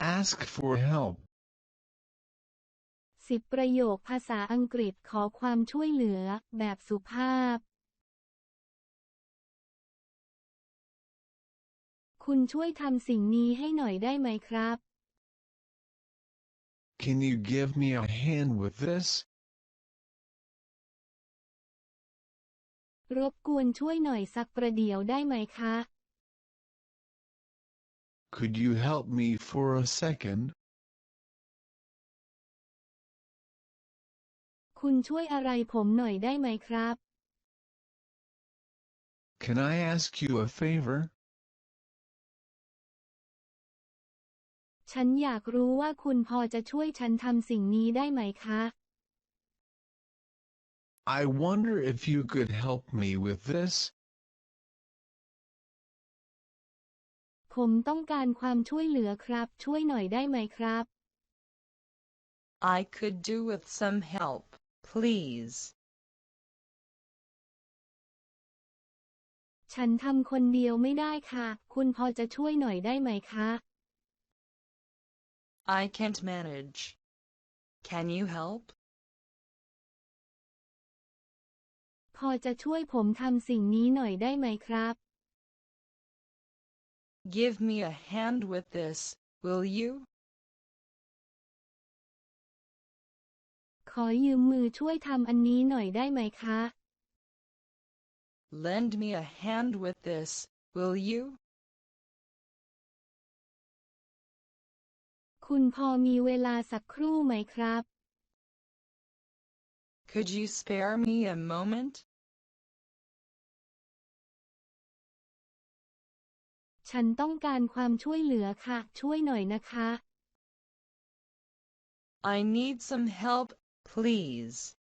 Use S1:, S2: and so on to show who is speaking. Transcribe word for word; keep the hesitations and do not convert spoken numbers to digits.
S1: Ask for help.
S2: สิบประโยคภาษาอังกฤษขอความช่วยเหลือแบบสุภาพคุณช่วยทำสิ่งนี้ให้หน่อยได้ไหมครับ
S1: Can you give me a hand with this?
S2: รบกวนช่วยหน่อยสักประเดี๋ยวได้ไหมคะ
S1: Could you help me for a second?
S2: คุณช่วยอะไรผมหน่อยได้ไหมครับ
S1: Can I ask you a favor?
S2: ฉันอยากรู้ว่าคุณพอจะช่วยฉันทำสิ่งนี้ได้ไหมคะ
S1: I wonder if you could help me with this.
S2: ผมต้องการความช่วยเหลือครับช่วยหน่อยได้ไหมครับ
S3: I could do with some help, please.
S2: ฉันทำคนเดียวไม่ได้ค่ะคุณพอจะช่วยหน่อยได้ไหมคะ
S3: I can't manage. Can you help?
S2: พอจะช่วยผมทำสิ่งนี้หน่อยได้ไหมครับ
S3: Give me a hand with this, will you?
S2: ขอยืมมือช่วยทำอันนี้หน่อยได้ไหมคะ
S3: Lend me a hand with this, will you?
S2: คุณพอมีเวลาสักครู่ไหมครับ
S3: Could you spare me a moment?
S2: ฉันต้องการความช่วยเหลือค่ะช่วยหน่อยนะคะ
S3: I need some help, please.